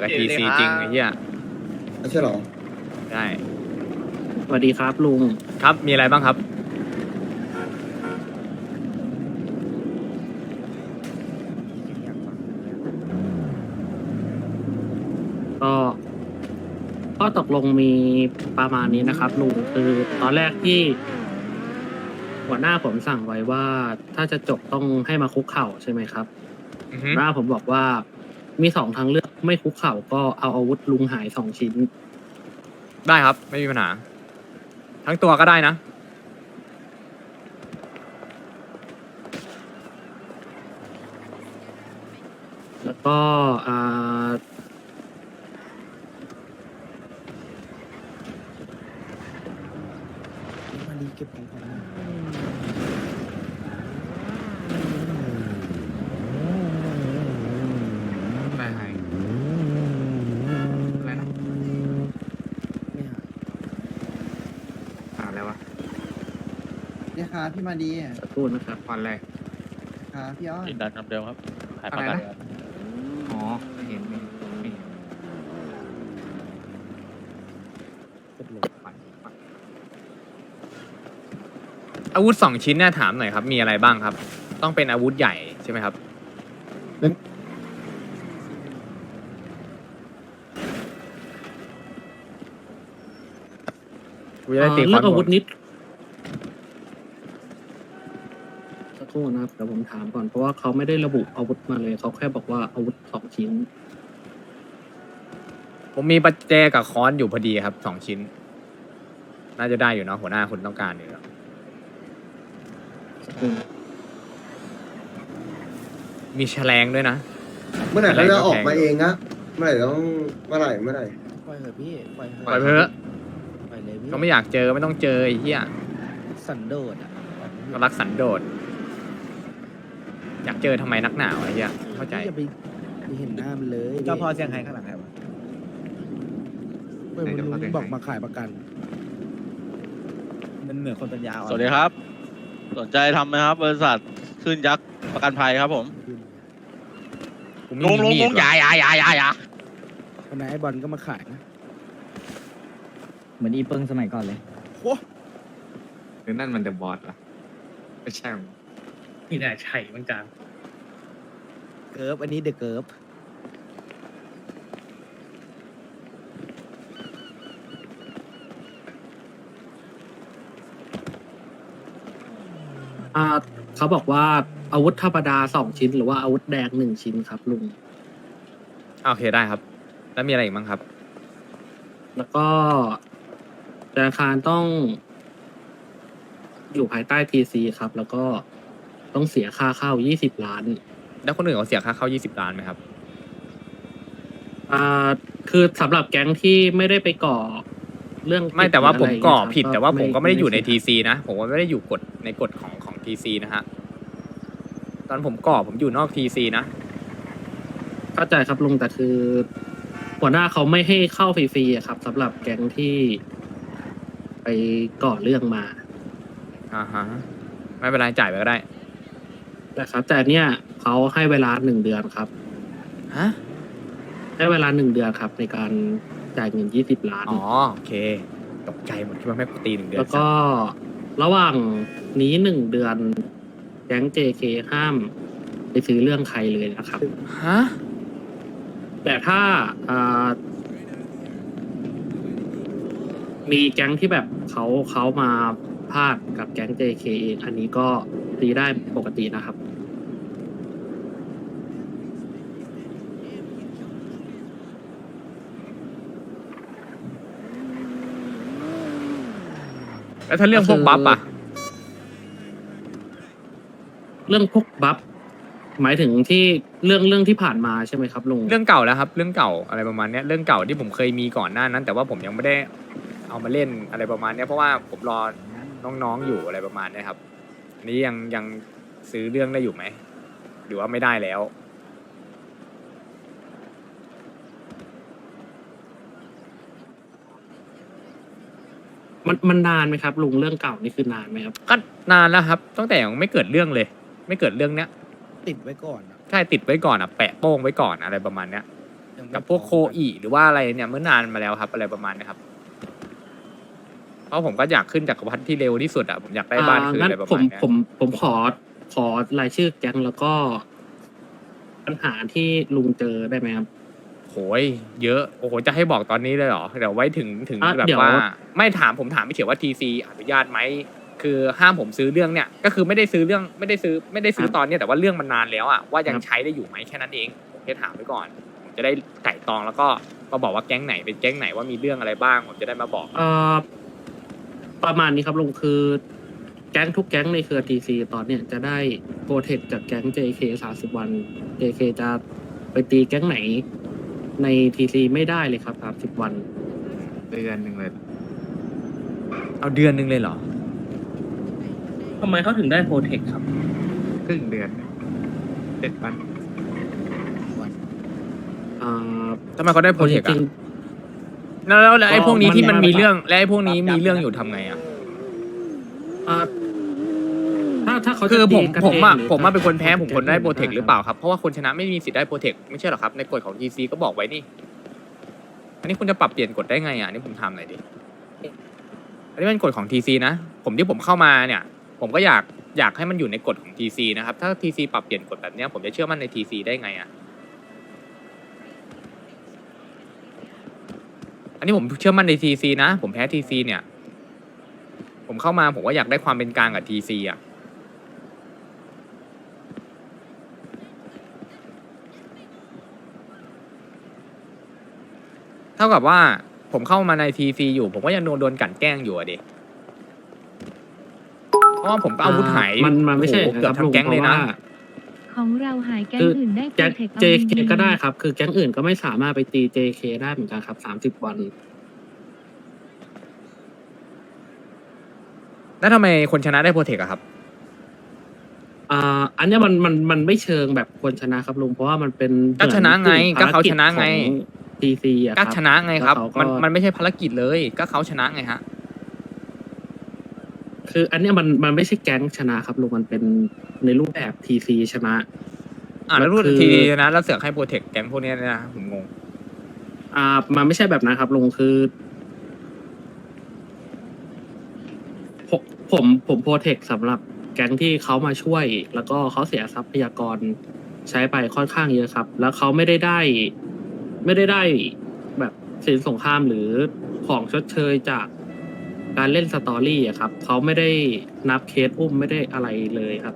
กับทีซีจริงไอ้เหี้ยไม่ใช่หรอได้สวัสดีครับลุงครับมีอะไรบ้างครับก็ข้อตกลงมีประมาณนี้นะครับลุงคือตอนแรกที่ หัวหน้าผมสั่งไว้ว่าถ้าจะจบต้องให้มาคุกเข่าใช่ไหมครับอือฮึหัวหน้าผมบอกว่ามีสองทางเลือกไม่คุกเข่าก็เอาอาวุธลุงหาย2 ชิ้นได้ครับไม่มีปัญหา ทั้งตัวก็ได้นะแล้วก็มาดีเก็บของก่อนนะอะไรหายอะไรนะไม่หายหาอะไรวะเนี่ยครับพี่มาดีสักครู่นะครับผ่อนอะไรครับพี่อ้อนยืนยันคำเดิมครับขายอะประไรกันนะ อ๋อไม่เห็นไม่เห็นไม่เห็นกดลงไปอาวุธ2 ชิ้นเนี่ยถามหน่อยครับ มีอะไรบ้างครับ ต้องเป็นอาวุธใหญ่ใช่ไหมครับกูจะได้ตีคเรื่วาอมงอาวุธนิดสักครู่นะครับเดี๋ยวผมถามก่อนเพราะว่าเขาไม่ได้ระบุอาวุธมาเลยเขาแค่บอกว่าอาวุธ2 ชิ้นผมมีประแจกับค้อนอยู่พอดีครับ2 ชิ้น น่าจะได้อยู่เนาะหัวหน้าคุณต้องการอยู่แล้วสักครู่มีแฉลงด้วยนะเมื่อไหร่เขาจะออกมาเองนะเมื่อไหร่เมื่อไหร่ปล่อยเถอะพี่ปล่อยเถปล่อยอะไปเถอะปล่อยเลยพี่ก็ไม่อยากเจอไม่ต้องเจอไอ้เหี้ยสันโดษอ่ะก็รักสันโดษอยากเจอทำไมนักหนาวไอ้เหี้ยเข้าใจอย่าไปเห็นหน้ามันเลยเจ้าพ่อเซี่ยงไฮ้ข้างหลังใครวะเมื่อวันลุงบอกมาขายประกันมันเหมือนคนปัญญาอ่อนสวัสดีครับ สนใจทำไหมครับ บริษัทขึ้นยักษ์ประกันภัยครับผมกูไม่มีมีดว่ะอย่าวันไหนไอ้บอลก็มาขายนะเหมือนอีเปิงสมัยก่อนเลยหรือนั่นมันเดอะบอสล่ะไม่ใช่มั้งนี่แหละใช่เหมือนกันเกิร์ฟอันนี้เดอะเกิร์ฟเขาบอกว่าอาวุธธรรมดา2 ชิ้น หรือว่าอาวุธแดง1 ชิ้นครับลุงโอเคได้ครับ แล้วมีอะไรอีกบ้างครับแล้วก็ธนาคารต้องอยู่ภายใต้ทีซีครับ แล้วก็ต้องเสียค่าเข้า20 ล้านแล้วคนอื่นเขาเสียค่าเข้า20 ล้านไหมครับคือสำหรับแก๊งที่ไม่ได้ไปก่อเรื่องไม่แต่ว่าผมก่อผิดะไรแต่ว่าผมก็ไม่ได้อยู่ในเสีทีซีนะ ผมก็ไม่ได้อยู่กฎในกฎของทีซีนะฮะ ตอนผมก่อผมอยู่นอกทีซีนะเข้าใจครับลุงแต่คือ หัวหน้าเขาไม่ให้เข้าฟรีๆอะครับสำหรับแก๊งที่ไปก่อเรื่องมาอ่าฮะ ไม่เป็นไรจ่ายไปก็ได้นะครับ แต่เนี่ยเขาให้เวลา1 เดือนครับฮะให้เวลา1 เดือนครับ ในการจ่ายเงิน20 ล้านอ๋อ โอเค ตกใจหมดคิดว่าแม่งกูตี1 เดือนแล้วก็ระหว่างนี้1 เดือน แก๊ง JK ห้ามไปซื้อเรื่องใครเลยนะครับฮะแต่ถ้ามีแก๊งที่แบบเขามาพาดกับแก๊ง JK เองอันนี้ก็ตีได้ปกตินะครับแล้วถ้าเรื่องพวกบัฟอะเรื่องพวกบัฟหมายถึงที่เรื่องที่ผ่านมาใช่ไหมครับลุงเรื่องเก่าแล้วครับ เรื่องเก่าอะไรประมาณเนี้ยเรื่องเก่าที่ผมเคยมีก่อนหน้านั้น แต่ว่าผมยังไม่ได้เอามาเล่นอะไรประมาณเนี้ยเพราะว่าผมรอน้องๆอยู่อะไรประมาณเนี้ยครับ อันนี้ยังซื้อเรื่องได้อยู่ไหมหรือว่าไม่ได้แล้วมันนานไหมครับลุงเรื่องเก่านี่คือนานไหมครับก็นานแล้วครับตั้งแต่ยังไม่เกิดเรื่องเลย ไม่เกิดเรื่องเนี้ยติดไว้ก่อนอะใช่ติดไว้ก่อนอ่ะแปะโป้งไว้ก่อนอะไรประมาณเนี้ยแต่กับพวกโคอีหรือว่าอะไรเนี่ยเมื่อนานมาแล้วครับอะไรประมาณเนี้ยครับเพราะผมก็อยากขึ้นจักรพรรดิที่เร็วที่สุดอะผมอยากได้บ้านคืนงั้นอะไรประผมาณมเนี้ยผมขอรายชื่อแก๊งแล้วก็ ปัญหาที่ลุงเจอได้ไหมครับโหยเยอะโอ้โหจะให้บอกตอนนี้เลยเหรอเดี๋ยวไว้ถึงอ่ะแบบเดี๋ยวว่าไม่ถามผมถามไม่เฉยว่าทีซีอนุญาตไหมคือห้ามผมซื้อเรื่องเนี่ยก็คือไม่ได้ซื้อตอนเนี้ยแต่ว่าเรื่องมันนานแล้วอะว่ายังใช้ได้อยู่ไหมแค่นั้นเองผมแค่ถามไว้ก่อนผมจะได้ไต่ตองแล้วก็มาบอกว่าแก๊งไหนเป็นแก๊งไหนว่ามีเรื่องอะไรบ้างผมจะได้มาบอกประมาณนี้ครับลุงคือ แก๊งทุกแก๊งในเครือ TC ตอนเนี้ยจะได้โปรเทคจากแก๊ง JK 30 วัน JK จะไปตีแก๊งไหนใน TC ไม่ได้เลยครับ30 วันเดือนหนึ่งเลยเอาเดือนหนึงเลยเหรอทำไมเขาถึงได้โปรเทคครับครึ่งเดือน7 วันทำไมเขาได้โปรเทคจริอะงแล้วไอ้พวกนี้ที่มันมีมันเรื่องและไอ้พวกนี้มีเรื่องอยู่ทำไงอะถ้าเขาจะคือผมตีกันผมเงอะหรือผมอะเป็นคนแพ้ถ้าผมคนได้โปรเทคแก๊งหรือเปล่าครับเพราะว่าคนชนะไม่มีสิทธิ์ได้โปรเทคไม่ใช่หรอครับในกฎของทีซีก็บอกไว้นี่ อันนี้คุณจะปรับเปลี่ยนกฎได้ไงอ่ะอันนี่ผมทำหน่อยดิอันนี้เป็นกฎของทีซีนะผมที่ผมเข้ามาเนี่ย ผมก็อยากให้มันอยู่ในกฎของทีซีนะครับถ้าทีซีปรับเปลี่ยนกฎแบบเนี้ยผมจะเชื่อมั่นในทีซีได้ไงอ่ะอันนี้ผมเชื่อมั่นในทีซีนะผมแพ้ทีซีเนี่ย ผมเข้ามาผมก็อยากได้ความเป็นกลางกับทีซีอ่ะเท่ากับว่าผมเข้ามาในทีซีอยู่ผมก็ยังโดนกลั่นแกล้งอยู่อะดิเพราะว่าผมก็อาวุธหายมันไม่ใช่โอ้โหเกือบทั้งแก๊งเลยนะของเราหายแก๊งคืออื่นได้โปรแก๊งเทคเอา JK ดีๆก็ได้ครับ คือแก๊งอื่นก็ไม่สามารถไปตี JK ได้เหมือนกันครับ30 วันแล้วทำไมคนชนะได้โปรเทคอะครับอันเนี้ยมันไม่เชิงแบบคนชนะครับลุงเพราะว่ามันเป็นก็ชนะไงก็เขาชนะไง TC อะคก็รับชนะไงครับแล้วเขาก็มันไม่ใช่ภารกิจเลย ก็เขาชนะไงฮะคืออันเนี้ยมันไม่ใช่แก๊งชนะครับลุงมันเป็นในรูปแบบ TC ชนะแล้วรูดคือทีนะแล้วเสือกให้โปรเทคแก๊งพวกเนี้ยนะผมงงมันไม่ใช่แบบนั้นครับลุงคือผมโปรเทคสำหรับแก๊งที่เขามาช่วย แล้วก็เขาเสียทรัพยากรใช้ไปค่อนข้างเยอะครับ แล้วเขาไม่ได้แบบสินสงครามหรือของชดเชยจากการเล่นสตอรี่อะครับเขาไม่ได้นับเคสอุ้มไม่ได้อะไรเลยครับ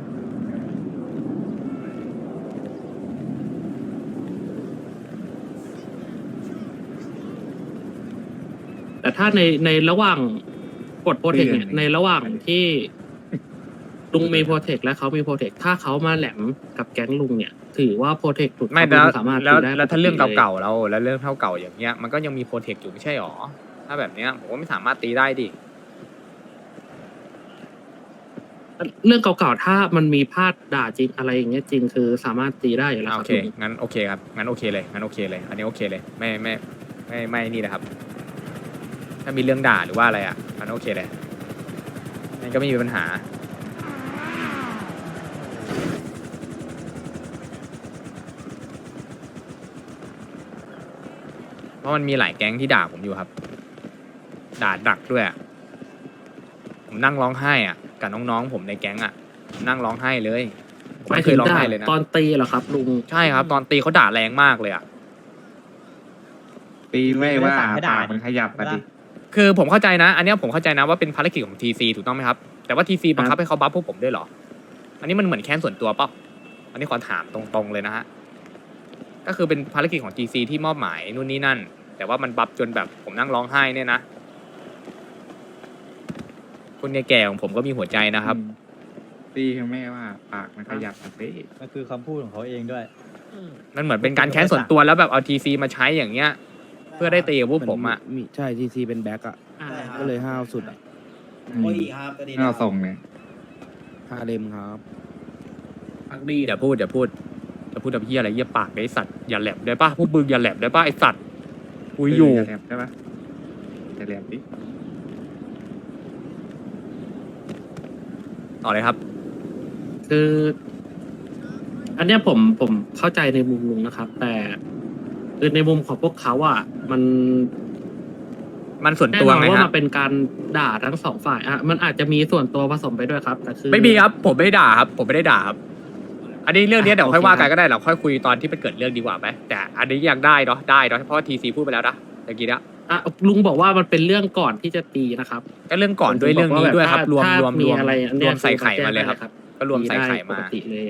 แต่ถ้าในระหว่างกดโปรเทคเนี่ยในระหว่างที่ลุงมีโปรเทคและเขามีโปรเทคถ้าเขามาแหลมกับแก๊งลุงเนี่ย ถือว่าโปรเทคหลุดไม่เขาแล้วสามารถแล้วตีได้แล้วถ้าเรื่องปติลยเก่าๆเราแล้วเรื่องเท่าเก่าอย่างเงี้ยมันก็ยังมีโปรเทคอยู่ไม่ใช่หรอถ้าแบบเนี้ยผมว่าไม่สามารถตีได้ดิเรื่องเก่าๆถ้ามันมีพลาดด่าจริงอะไรอย่างเงี้ยจริงคือสามารถตีได้อยู่แล้วคโอรับเคลุงงั้นโอเคครับงั้นโอเคเลยงั้นโอเคเลย อันนี้โอเคเลยไม่นี่นะครับ ถ้ามีเรื่องด่าหรือว่าอะไรอ่ะงั้นโอเคเลยนั่นก็ไม่มีปัญหา เพราะมันมีหลายแก๊งที่ด่าผมอยู่ครับ ด่าดักด้วยอะผมนั่งร้องไห้อ่ะกับน้องๆผมในแก๊งอ่ะผมนั่งร้องไห้เลยผมไม่ไม่เคถึยงร้องด่าไห้เลยนะตอนตีเหรอครับลุงใช่ครับ ตอนตีเขาด่าแรงมากเลยอ่ะตีไม่ว่าไม่ได้ปากมันขยับมาดิคือผมเข้าใจนะ อันเนี้ยผมเข้าใจนะว่าเป็นภารกิจของทีซีถูกต้องไหมครับ แต่ว่าทีซีบังคับให้เขาบัฟพวกผมด้วยเหรอ อันนี้มันเหมือนแค้นส่วนตัวเปล่าอันนี้ขอถามตรงๆเลยนะฮะ ก็คือเป็นภารกิจของทีซีที่มอบหมายนู่นนี่นั่น แต่ว่ามันบัฟจนแบบผมนั่งร้องไห้เนี่ยนะคนแก่ๆของผมก็มีหัวใจนะครับตีคือแม่ว่าปากมันขยับมาดิมันคือคำพูดของเขาเองด้วยมันเหมือนเป็นการแค้นส่วนตัวแล้วแบบเอาทีซีมาใช้อย่างเงี้ย เพื่อได้ตีกับพวกผมอ่ะมีใช่ทีซีเป็นแบ็กอ่ะ ก็เลยห้าวสุดอ่ะโอ้ยครับเราส่งเนี่ยฮาเลมครับอย่าพูดแบบพี่อะไรเยี่ยปากไอ้สัตว์อย่าแหลมได้ป่ะพวกมึงอย่าแหลมได้ป่ะไอ้สัตว์คุยอยู่จะแหลมใช่ปะจะแหลมดิต่อเลยครับคือ อันเนี้ยผมเข้าใจในมุมลุงนะครับ แต่คือในมุมของพวกเขาอ่ะมันมันส่วนแน่ตัวนอนไงว่าฮะมันเป็นการด่าทั้งสองฝ่ายอ่ะมันอาจจะมีส่วนตัวผสมไปด้วยครับแต่คือไม่มีครับผมไม่ได้ด่าครับผมไม่ได้ด่าครับ อันนี้เรื่องนี้เดี๋ยวค่อยว่ากันโอเคครับก็ได้เราค่อยคุยตอนที่มันเกิดเรื่องดีกว่าไหมแต่อันนี้ยังได้เนาะได้เนาะเพราะว่าทีซีพูดไปแล้วนะเมื่อกี้นะอ่ะลุงบอกว่ามันเป็นเรื่องก่อนที่จะตีนะครับก็เรื่องก่อนด้วยเรื่องนี้ด้วยครับรวมถ้ารวมมีรวมอะไรอันรเนี้วย มใส่ไข่มาเลยครับได้ก็รวมใส่ไข่ปมากติเลย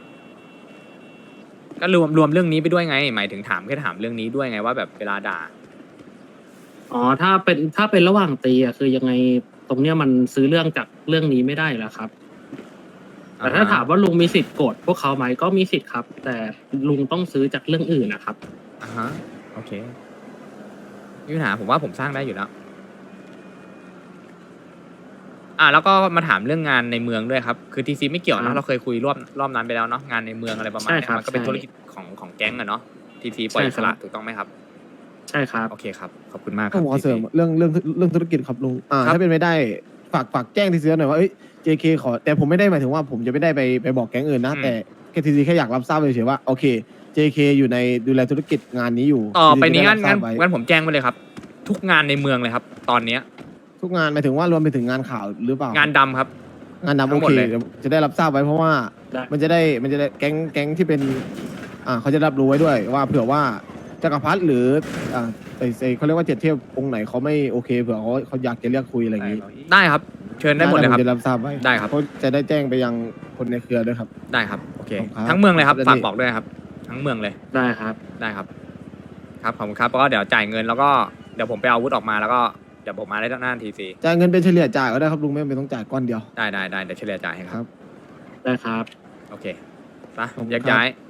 ก็รวมเรื่องนี้ไปด้วยไง หมายถึงถามแค่ถามเรื่องนี้ด้วยไงว่าแบบเวลาด่าอ๋อถ้าเป็นระหว่างตีอ่ะคือยังไงตรงเนี้ยมันซื้อเรื่องจากเรื่องนี้ไม่ได้แล้วครับ แต่ถ้าถามว่าลุงมีสิทธิ์โกรธพวกเขาไหมก็มีสิทธิ์ครับ แต่ลุงต้องซื้อจากเรื่องอื่นนะครับอ่าฮะโอเคไม่มีปัญหาผมว่าผมสร้างได้อยู่แล้วแล้วก็มาถามเรื่องงานในเมืองด้วยครับคือทีซีไม่เกี่ยวครันะบเราเคยคุยรอบนั้นไปแล้วเนาะงานในเมืองอะไรประมาณใช่นี้ครับมันก็เป็นใช่ธุรกิจของแก๊งอะเนาะทีซีปล่อยใช่อิคสรับระถูกต้องไหมครับใช่ครับโอเคครับขอบคุณมากคต้รัอบ งขอเสริม TC เรื่องธุรกิจครับลุงครับถ้าเป็นไม่ได้ฝากแจ้งทีซีหน่อยว่าเอ้ย JK ขอแต่ผมไม่ได้หมายถึงว่าผมจะไม่ได้ไปบอกแก๊งอื่นนะแต่แค่ทีซีแค่อยากรับทราบเฉยๆว่าโอเค JK อยู่ในดูแลธุรกิจงานนี้อยู่ต่อไปนี้ TC งั้นจะได้รับทราบไว้งั้นผมแจ้งไปเลยครับ ทุกงานในเมืองเลยครับ ตอนเนี้ยทุกงานหมายถึงว่ารวมไปถึงงานข่าวหรือเปล่างานดำครับงานดำทั้โองหมดเคเลยเดี๋ยวจะได้รับทราบไว้เพราะว่าได้มันจะได้แก๊งที่เป็นเขาจะรับรู้ไว้ด้วยว่าเผื่อว่าจักรพรรดิหรือเขาเรียกว่าเจ็ดเทพองค์ไหนเขาไม่โอเคเผื่อเขาอยากจะเรียกคุยอะไรอย่างนี้ได้ครับ เชิญได้หมดเลยครับผมจะรับทราบไว้ได้ครับเขาจะได้แจ้งไปยังคนในเครือด้วยครับได้ครับโอเคขอบคุณครับทั้งเมืองเลยครับแล้วฝากนี่บอกด้วยครับ ทั้งเมืองเลยได้ครับได้ครับ ครับขอบคุณครับแล้วก็เดี๋ยวจ่ายเงินแล้วก็เดี๋ยวผมไปเอาอาวุธออกมาแล้วก็เดี๋ยวผมมาได้หน้าทีซีจ่ายเงินเป็นเฉลี่ยจ่ายก็ได้ครับลุงไม่ต้องจ่ายก้อนเดียวได้เดี๋ยวเฉลี่ยจ่ายให้คครัรับบได้ครับโอเคไปขอบคุณแยกครับย้าย